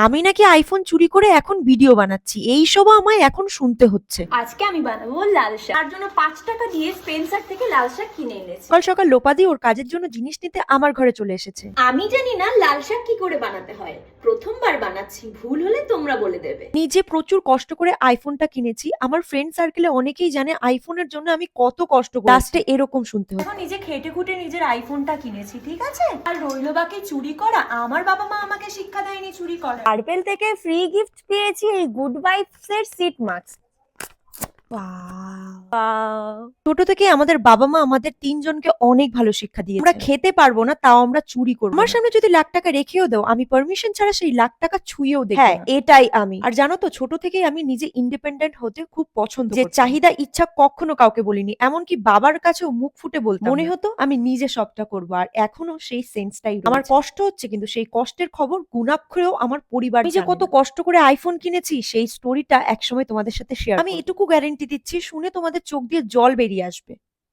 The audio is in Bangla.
আমি নাকি আইফোন চুরি করে এখন ভিডিও বানাচ্ছি, এইসবও আমায় এখন শুনতে হচ্ছে। আজকে আমি বানাবো লাল শাক। তার জন্য 5 টাকা দিয়ে স্পেন্সার থেকে লাল শাক কিনে এনেছি। সকাল সকাল লোপাদি ওর কাজের জন্য জিনিস নিতে আমার ঘরে চলে এসেছে। আমি জানি না লাল শাক কি করে বানাতে হয়, প্রথমবার বানাচ্ছি, ভুল হলে তোমরা বলে দেবে। নিজে প্রচুর কষ্ট করে আইফোনটা কিনেছি, আমার ফ্রেন্ড সার্কেলে অনেকেই জানে আইফোনের জন্য আমি কত কষ্ট করি। লাস্টে এরকম শুনতে হতো। এখন নিজে খেটে খুঁটে নিজের আইফোনটা কিনেছি, ঠিক আছে? আর রইলো বাকি চুরি করা। আমার বাবা মা আমাকে শিক্ষা দেয়নি চুরি করা। পার্পেল থেকে ফ্রি গিফট পেয়েছি এই গুড ভাইবস এর সিট মাস্ক। ছোট থেকে আমাদের বাবা মা আমাদের তিনজনকে অনেক ভালো শিক্ষা দিয়েছে। আমরা খেতে পারবো না, তাও আমরা চুরি করবো। আমার সামনে যদি লাখ টাকা রেখেও দাও, আমি পারমিশন ছাড়া সেই লাখ টাকা ছুঁয়েও দেখবো। হ্যাঁ, এটাই আমি। আর জানো তো, ছোট থেকেই আমি নিজে ইন্ডিপেন্ডেন্ট হতে খুব পছন্দ করি। যে চাহিদা ইচ্ছা কখনো কাউকে বলিনি, এমনকি বাবার কাছেও মুখ ফুটে বলতাম। মনে হতো আমি নিজে সবটা করবো, আর এখনো সেই সেন্সটাই রয়েছে। আমার কষ্ট হচ্ছে, কিন্তু সেই কষ্টের খবর গুণাক্ষরেও আমার পরিবার জানে না। কত কষ্ট করে আইফোন কিনেছি সেই স্টোরিটা একসময় তোমাদের সাথে শেয়ার। আমি এটুকু গ্যারেন্টি দিচ্ছি, শুনে তোমাদের চোখ দিয়ে জল বেরিয়ে আসবে।